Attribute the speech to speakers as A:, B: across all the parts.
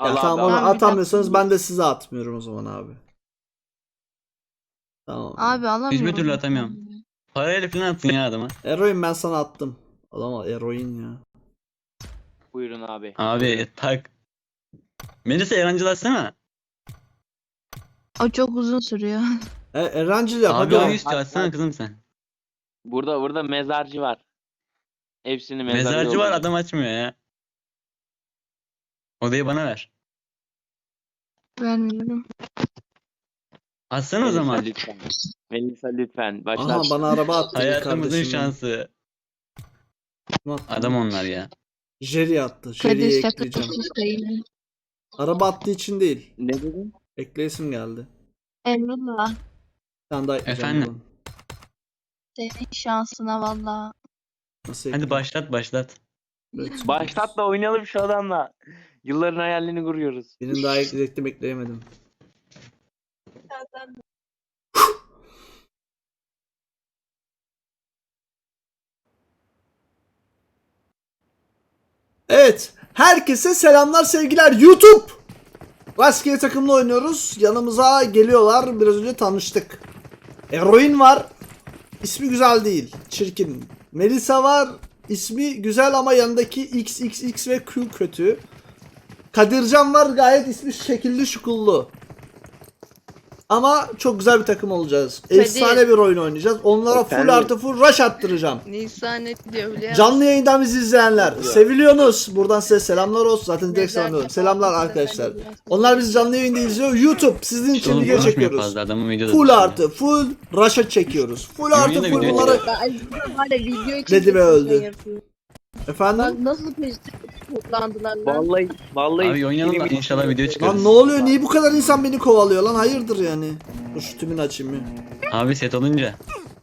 A: Ya
B: Allah
A: tamam, onu
B: Allah.
A: atamıyorsanız ben de size atmıyorum o zaman abi. Tamam.
C: Abi alamıyorum.
D: Hiçbir türlü atamıyorum. Parayla falan attın ya adama.
A: Eroin ben sana attım. Adama eroin ya.
B: Buyurun abi.
D: Abi tak. Melisa yarancılaşsana.
C: O çok uzun sürüyor.
A: Erancıl yap
D: Abi
A: hadi.
D: o üstü açsana kızım sen.
B: Burada mezarcı var. Hepsini
D: Mezarcı var adam açmıyor ya. Odayı bana ver.
C: Vermiyorum.
D: Açsana o zaman.
B: Lütfen. Melisa lütfen.
A: Aha
B: Başlat.
A: bana araba attı
D: Hayatımızın
A: kardeşim.
D: şansı.
A: Adam.
D: Adam onlar ya.
A: Jerry attı. Jerry'yi
C: Kadir
A: ekleyeceğim.
C: şakasız sayın.
A: Araba attığı için değil.
B: Ne dedin?
A: Ekleyesim geldi.
C: Emrullah.
A: Bir tane daha ekleyeceğim.
D: Efendim?
A: buradan.
C: Senin şansına valla.
A: Nasıl
D: Hadi
A: ekleyeyim?
D: başlat.
A: Evet.
B: Başlat da oynayalım şu adamla. Yılların hayalini kuruyoruz.
A: Birini daha ekleyecektim, ekleyemedim. Evet. Herkese selamlar, sevgiler. YouTube. Rastgele takımla oynuyoruz. Yanımıza geliyorlar. Biraz önce tanıştık. Eroin var. İsmi güzel değil. Çirkin. Melisa var. İsmi güzel ama yanındaki XXX ve Q kötü. Kadircan var. Gayet ismi şekilli şukullu. Ama çok güzel bir takım olacağız. Efsane bir oyun oynayacağız. Onlara full
B: Efendim?
A: artı full rush attıracağım.
C: Nisan diyor biliyor
A: Canlı yayından bizi izleyenler seviliyorsunuz. Buradan size selamlar olsun. Zaten direkt selamlıyorum. Selamlar arkadaşlar. Onlar bizi canlı yayında izliyor. YouTube sizin için
D: Oğlum
A: video
D: konuşmuyor
A: çekiyoruz.
D: fazla adamın videoda.
A: Full artı full rush'a çekiyoruz. Full artı
D: Yeminle
A: full
D: video
A: bunları
E: Video için
A: dedi ve
E: kesinlikle
A: öldü.
E: yapıyor.
A: Efendim?
E: Bak nasıl peşte toplandılar lan.
B: Vallahi.
D: Abi oynayalım da inşallah video çıkarız.
A: Lan ne oluyor? Niye bu kadar insan beni kovalıyor lan? Hayırdır yani? Dur şu tümünü açayım ya.
D: Abi set olunca.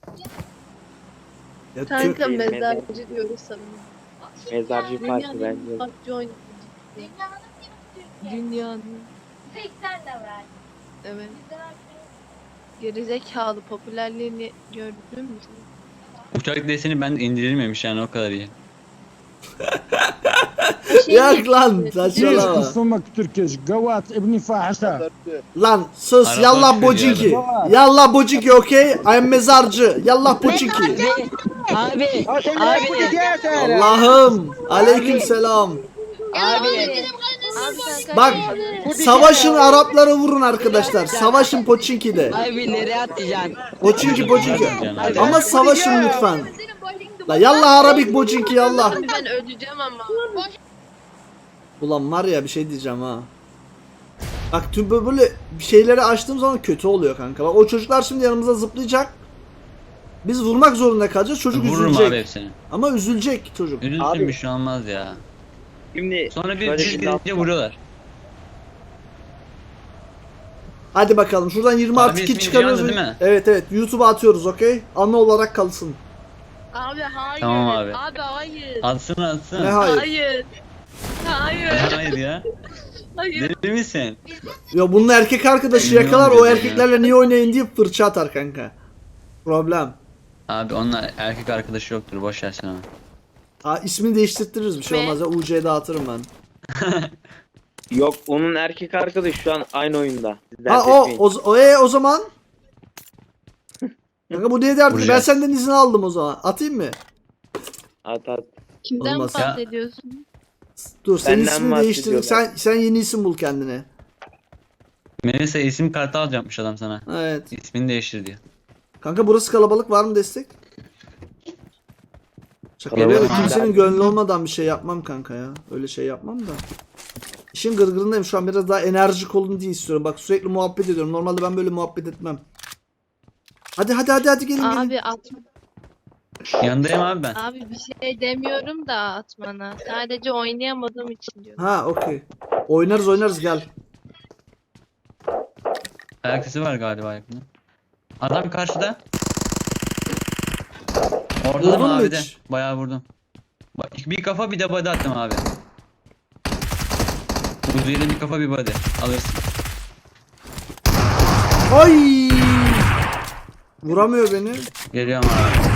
A: Ya
E: Kanka mezarcı diyoruz sana.
B: Mezarcı parti bence.
E: PUBG oynuyor. Dünyanın.
F: Sen de ver.
E: Evet. Gerizekalı popülerliğini gördün mü?
D: Uçak deseni ben indirilmemiş yani o kadar iyi.
A: Yak lan
G: ليش
A: saçmalama.
G: تصمك تركز قوات ابني فاحشة
A: Lan sus
D: Araba
A: yallah
D: çıkıyor
A: bociki.
G: ya.
A: Yallah bociki okey. I'm mezarcı. Yallah bociki.
H: Abi,
A: Allah'ım. Aleyküm selam.
H: abi,
A: Bak savaşın Arapları vurun arkadaşlar. Savaşın Poçinki'de.
H: abi nereye atacaksın?
A: Poçinki Poçinki.
D: Abi.
A: Ama savaşın lütfen. La yallah Arabik Poçinki yallah.
E: Abi ben öleceğim ama.
A: Ulan var ya bir şey diyeceğim ha. Bak tüm böyle şeyleri açtığım zaman kötü oluyor kanka. Bak o çocuklar şimdi yanımıza zıplayacak. Biz vurmak zorunda kalacağız. Çocuk
D: Vururum
A: üzülecek.
D: abi hepsini.
A: Ama üzülecek çocuk.
D: Üzülsün
B: Abi.
D: bir şey olmaz ya.
B: Şimdi
D: Sonra bir
B: şöyle
D: düz
B: bir
D: gidince
B: laf-
D: vuruyorlar.
A: Hadi bakalım şuradan 20
D: Abi
A: artı 2
D: ismi
A: çıkarıyoruz.
D: Cihan'dı değil mi?
A: Evet evet YouTube'a atıyoruz okey. Anı olarak kalsın.
E: Abi hayır.
D: Tamam abi.
E: Abi hayır.
D: Atsın atsın.
A: Ne hayır.
E: Hayır. Hayır.
D: Hayır ya.
E: Hayır.
D: Deli misin?
A: Ya bunun erkek arkadaşı
D: Bilmiyorum
A: yakalar o
D: dedim ya.
A: erkeklerle niye oynayın diye fırça atar kanka. Problem.
D: Abi onlar erkek arkadaşı yoktur boş ver sen onu.
A: Ha ismini değiştirtiriz bir şey olmaz ya. UC'ye dağıtırım ben.
B: Yok onun erkek arkadaşı şu an aynı oyunda. Siz
A: Ha
B: dert
A: o
B: etmeyin.
A: o zaman. Kanka bu niye derdi? Ben
D: Vuracağız.
A: senden izin aldım o zaman. Atayım mı?
B: At.
E: Kimden
A: Olmaz.
E: bahsediyorsun?
A: Dur senin
B: Benden
A: ismini değiştir.
B: bahsediyorlar.
A: Sen yeni isim bul kendine.
D: Melisa isim kartı alacakmış adam sana.
A: Evet.
D: İsmini değiştir diyor.
A: Kanka burası kalabalık, var mı destek? Şaka
B: Kalabalık
A: yapıyorum.
B: mı?
A: Kimsenin gönlü olmadan bir şey yapmam kanka ya. Öyle şey yapmam da. İşin gırgırındayım şu an, biraz daha enerjik olun diye istiyorum. Bak sürekli muhabbet ediyorum. Normalde ben böyle muhabbet etmem. Hadi gelin.
E: Abi atma.
D: Yanındayım abi ben.
E: Abi bir şey demiyorum da atmana. Sadece oynayamadığım için diyorum.
A: Ha okey. Oynarız gel.
D: Ayak sesi var galiba yakında. Adam karşıda. Orada
A: Vurdun
D: mı
A: mu
D: abi de?
A: hiç?
D: Bayağı vurdum. Bak bir kafa bir de body attım abi. Uzi'yle bir kafa bir body. Alırsın.
A: Ay! Vuramıyor beni.
D: Geliyorum abi.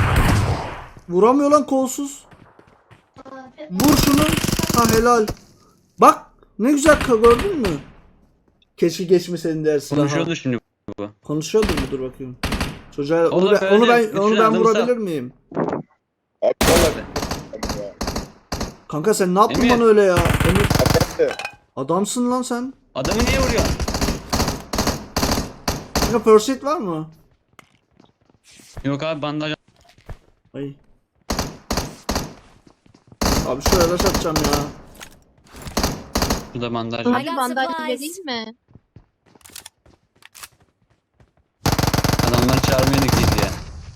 A: Vuramıyor lan kolsuz. Vur şunu. Ha helal. Bak Ne güzel gördün mü? Keşke geçmeseydin dersin.
D: Konuşuyordu şimdi bu.
A: Konuşuyordur mu? Dur bakayım. Çocuğa onu
D: Oğlum
A: ben, onu
D: öyle,
A: ben, onu
D: bütün
A: ben
D: adamı
A: vurabilir
D: sağ-
A: miyim?
I: Aptal.
A: Kanka sen ne yaptın
D: Emir.
A: bana öyle ya? Emir. Adamsın lan sen.
D: Adamı niye vuruyor?
A: Kanka first aid var mı?
D: Yok abi bandaj.
A: Ay. Abi şuraya da atacağım ya.
D: Şurada bandaj
E: Hadi
D: var.
F: got
E: bandaj
F: supplies.
E: vereyim mi?
D: Adamları çağırmaya gidildi ya.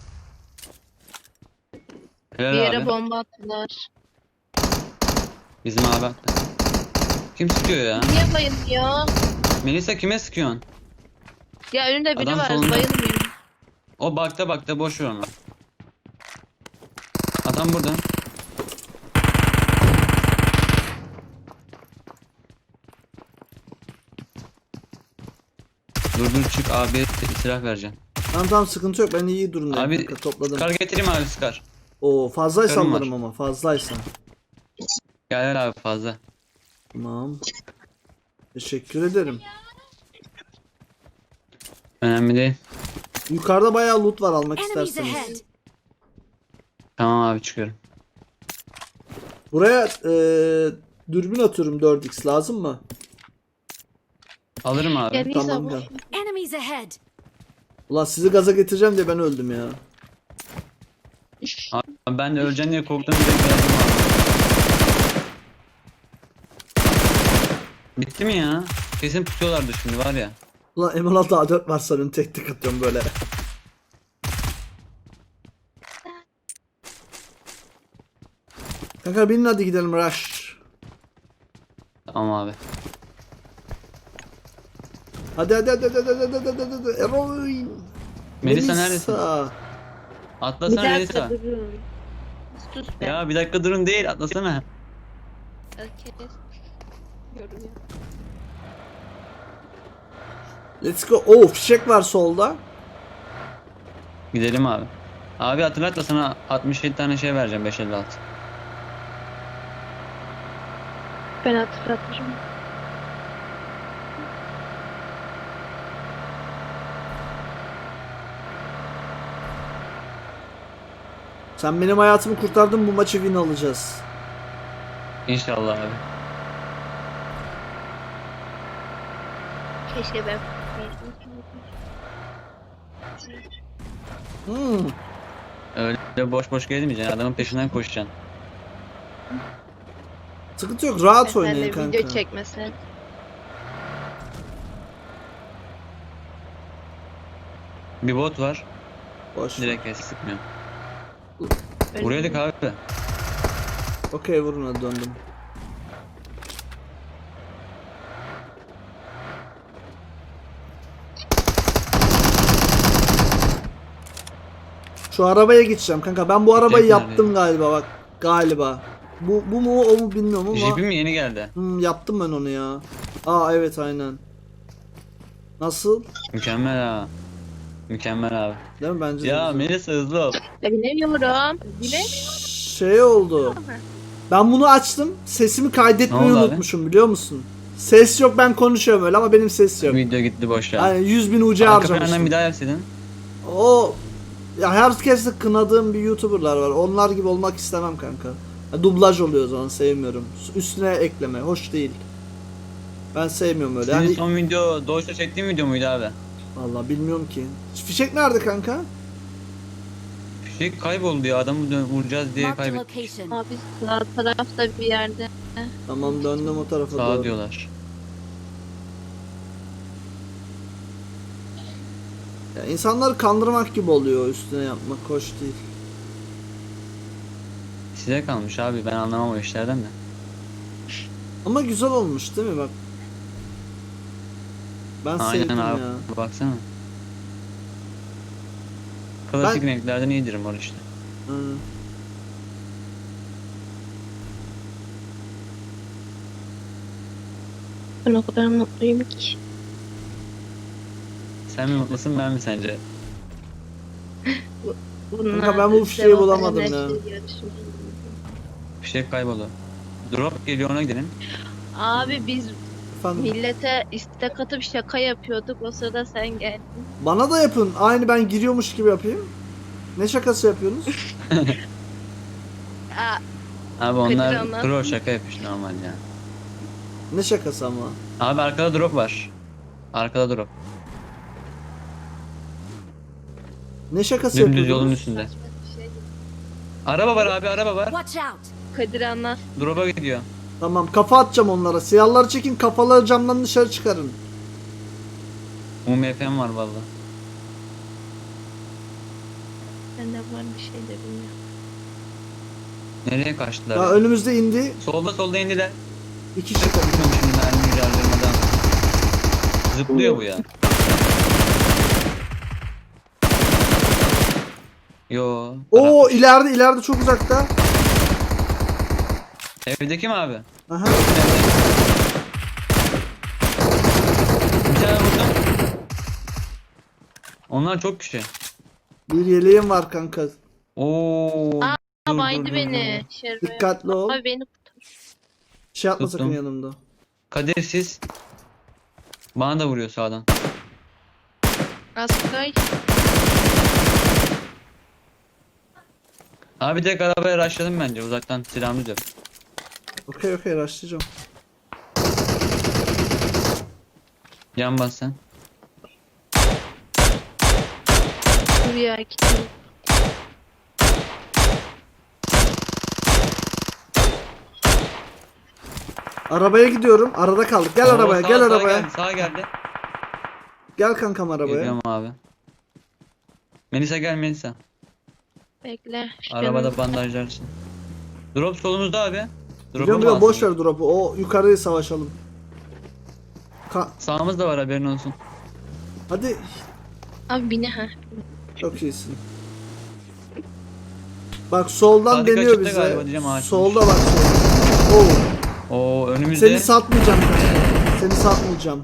E: Bir
D: Helal
E: yere
D: abi.
E: bomba attılar.
D: Bizim abi attı. Kim sıkıyor ya?
E: Niye bayılmıyor?
D: Melisa kime sıkıyorsun?
E: Ya önünde biri
D: Adam
E: var
D: solunda.
E: bayılmıyor.
D: O bakta boş ver onu. Adam burada. Dur çık abi silah vereceğim.
A: Tamam sıkıntı yok, ben iyi durumdayım
D: Abi
A: kanka, topladım.
D: Skar getireyim abi Skar.
A: Oo fazlaysa
D: Karım var.
A: alırım ama fazlaysa.
D: Gel abi fazla.
A: Tamam. Teşekkür ederim.
D: Önemli değil.
A: Yukarıda bayağı loot var almak
F: Enemies
A: isterseniz.
F: ahead.
D: Tamam abi çıkıyorum.
A: Buraya dürbün atıyorum 4x, lazım mı?
D: Alırım abi.
E: Gel
A: Tamam,
E: Nisa
A: gel.
F: Enemies ahead.
A: Ulan sizi gaza getireceğim diye ben öldüm ya.
D: Abi ben de öleceğim diye korktum direkt geldim abi. Bitti mi ya? Kesin tutuyorlardı şimdi var ya.
A: Ulan M16 A4 var sanırım, tek tek atıyorum böyle. Kanka binin hadi gidelim rush.
D: Tamam abi.
A: Hadi. Eroin.
D: Melisa neredesin?
A: Melisa.
D: Atlasana
E: Bir
D: Melisa.
E: dakika durun. Sus be.
D: Ya bir dakika durun değil atlasana.
E: Herkes görüyor.
A: Let's go. Oo fişek var solda.
D: Gidelim abi. Abi hatırlat da sana 67 tane şey vereceğim 556.
E: Ben hatırlatırım.
A: Sen benim hayatımı kurtardın, bu maçı win alacağız.
D: İnşallah abi.
E: Keşke ben.
A: Hmm.
D: Öyle boş gezmeyeceksin adamın peşinden koşacaksın.
A: Sıkıntı yok, rahat
E: Sen
A: oynayın
E: de
A: kanka.
E: video çekmesen.
D: Bir bot var.
A: Boş.
D: Direkt kes sıkmıyor.
E: Öyle
D: Buraydık
E: mi?
D: abi.
A: Okey vurun, hadi döndüm. Şu arabaya geçeceğim kanka. Ben bu arabayı
D: Tekrar
A: yaptım galiba bak. Galiba. Bu mu o mu bilmiyorum ama.
D: Jeep'im mi yeni geldi?
A: Yaptım ben onu ya. Aa evet aynen. Nasıl?
D: Mükemmel ha. Mükemmel abi.
A: Değil mi bence? de
D: Ya
A: güzel.
D: Melisa hızlı ol.
E: Bilemiyorum.
A: Şey oldu. Ben bunu açtım. Sesimi kaydetmeyi
D: Ne oldu abi?
A: unutmuşum, biliyor musun? Ses yok, ben konuşuyorum öyle ama benim ses yok.
D: Video gitti boş ya.
A: Aynen 100.000 ucu
D: Arka
A: harcamıştım.
D: plandan bir daha yapsaydın.
A: O ya herkes de kınadığım bir YouTuber'lar var. Onlar gibi olmak istemem kanka. Ya, dublaj oluyor o zaman, sevmiyorum. Üstüne ekleme hoş değil. Ben sevmiyorum öyle.
D: Senin
A: Yani
D: son video Doğuş'ta çektiğin video muydu abi?
A: vallahi bilmiyorum ki. Fişek nerede kanka?
D: Şey kayboldu ya adamı vuracağız diye
F: Marked a
D: kaybettik.
F: location.
E: Abi sağ tarafta bir yerde.
A: Tamam döndüm o tarafa
D: Sağ
A: doğru.
D: diyorlar.
A: Ya, insanları kandırmak gibi oluyor, üstüne yapmak hoş değil.
D: Size kalmış abi ben anlamam o işlerden de.
A: Ama güzel olmuş değil mi bak. Ben
D: Aynen
A: sevdim
D: abi
A: ya.
D: baksana. Klasik renklerden iyidir mor işte.
A: Hı.
E: Ben o kadar mutluyum ki.
D: Sen mi mutlusun ben mi sence?
A: Kanka ben bu fişeği bulamadım ya.
D: Bir şey kayboldu. Drop geliyor ona gidelim.
E: Abi biz
A: Efendim.
E: millete istek atıp şaka yapıyorduk. O sırada sen geldin.
A: Bana da yapın. Aynı ben giriyormuş gibi yapayım. Ne şakası yapıyorsunuz?
E: Aa,
D: Abi onlar
E: Kadir anlat.
D: troll şaka yapmış normal ya.
A: Ne şakası ama?
D: Abi arkada drop var. Arkada drop.
A: Ne şakası
D: Dümdüz
A: yapıyordunuz?
D: yolun üstünde.
E: saçma bir şey.
D: Araba var abi, araba var.
F: Watch out!
E: Kadir anlat.
D: Drop'a gidiyor.
A: Tamam, kafa atacağım onlara. Siyahları çekin, kafaları camdan dışarı çıkarın.
D: UMF'm var valla.
E: Bende var bir şey de bilmiyorum.
D: Nereye kaçtılar?
A: Ya
D: Ya?
A: önümüzde indi.
D: Solda indiler.
A: 2 kişi.
D: Bilmiyorum şimdi mermi ilerlemeden. Zıplıyor bu ya. Yo.
A: Oo,
D: Arapmış.
A: ileride çok uzakta.
D: Evdeki mi abi?
A: Aha.
D: Bir tane vurdum. Onlar çok kişi.
A: Bir yeleğim var kanka.
D: Oo.
E: Aa,
D: dur,
E: baydı
D: dur,
E: beni.
D: dur.
E: Şerbe.
A: Dikkatli ol.
E: Abi beni
A: Şey yapma
D: Tuttum.
A: sakın yanımda.
D: Kadir siz. Bana da vuruyor sağdan.
E: Askay.
D: Abi tek arabaya rushladım bence uzaktan silahımız yok.
A: Okey başlayacağım.
D: Can bas sen.
E: Dur ya gitti.
A: Arabaya gidiyorum. Arada kaldık. Gel
D: Oo,
A: arabaya,
D: sağ-
A: gel
D: sağ
A: arabaya.
D: Geldi, sağa geldi.
A: Gel kankam arabaya.
D: Geliyorum abi. Melisa gel Melisa.
E: Bekle. şu
D: Arabada
E: canım-
D: bandajlarsın. Drop solumuzda abi. Drop'u
A: Biliyorum
D: mu
A: boş
D: alsın?
A: ver drop'u. O yukarıya savaşalım.
D: Sağımız da var haberin olsun.
A: Hadi.
E: Abi bini ha.
A: Çok iyisin. Bak soldan
D: Sadık
A: deniyor
D: açıkta
A: bize.
D: galiba diyeceğim, ağaçmış.
A: Solda bak solda. Oo.
D: Oo önümüzde.
A: Seni satmayacağım kanka. Seni satmayacağım.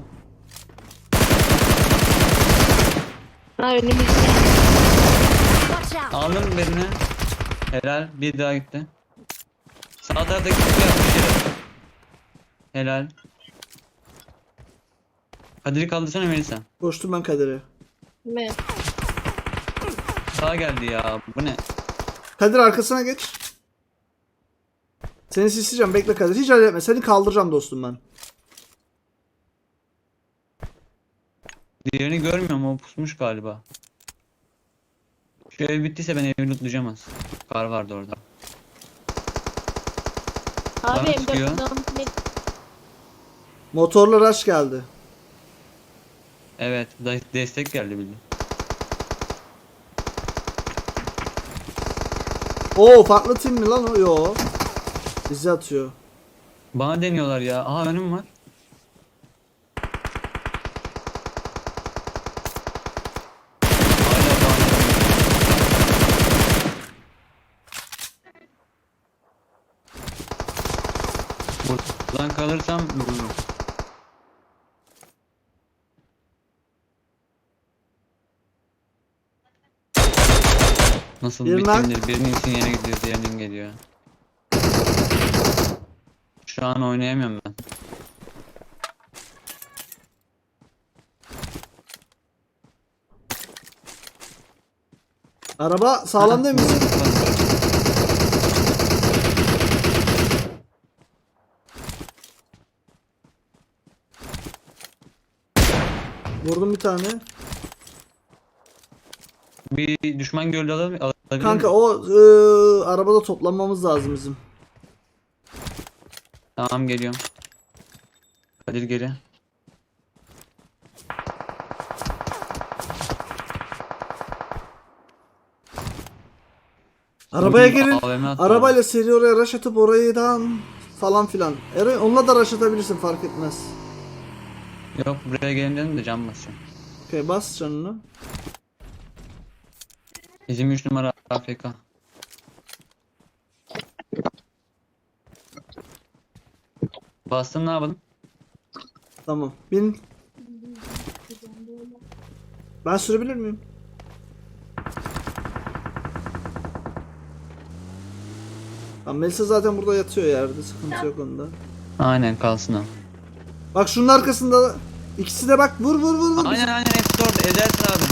E: Ha önümüzde.
F: Watch out!
D: Aldım birini. Helal. Bir daha gitti. Sağ taraftaki kutu yapmış yere. Helal. Kadir'i kaldırsana Melisa.
A: Koştum ben Kadir'e.
E: Mi?
D: Sağ geldi ya. Bu ne?
A: Kadir arkasına geç. Seni sisleyeceğim. Bekle Kadir. Hiç acele etme. Seni kaldıracağım dostum ben.
D: Diğerini görmüyorum. O pusmuş galiba. Şu ev bittiyse ben evi lootlayacağım az. Kar vardı orada.
E: Abi
D: Bana sıkıyor.
E: M4
A: Motorla rush geldi.
D: Evet. Destek geldi bildiğin.
A: Oo, farklı team mi lan o? Yo. Bizi atıyor.
D: Bana deniyorlar ya. Aha önüm var. Hala bana. Buradan kalırsam vururum. Nasıl
A: Bir nak.
D: bitimdir? Birinin için yere gidiyor, diğerinin geliyor. Şu an oynayamıyorum ben.
A: Araba sağlam değil mi? Vurdum bir tane.
D: Bir düşman gördü alabilir
A: Kanka
D: miyim?
A: o arabada toplanmamız lazım bizim.
D: Tamam geliyorum. Kadir geri.
A: Arabaya
D: Bugün
A: gelin.
D: AVM attı
A: Arabayla seri oraya rush atıp orayıdan falan filan. Eren onunla da rush atabilirsin, fark etmez.
D: orada. Yok buraya gelin dedim de can basacağım.
A: Okey, bas canını.
D: Bizim 3 numara AFK. Bastım ne yapalım?
A: Tamam. Bin. Ben sürebilir miyim? Tamam, Melisa zaten burada yatıyor yerde. Sıkıntı yok onda.
D: Aynen kalsın o.
A: Bak şunun arkasında. İkisi de bak vur vur vur vur.
D: Aynen hepsi orada. Edersin abi.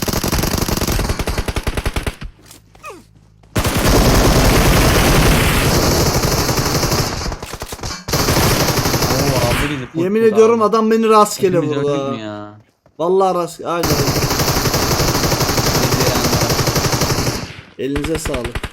D: Oo, abi bizi full
A: Yemin
D: full
A: ediyorum
D: abi.
A: adam beni rastgele
D: Hepimiz öldük
A: vurdu.
D: mü
A: ha.
D: ya?
A: Vallahi rastgele. Aynen.
D: Bizi yani.
A: Elinize sağlık.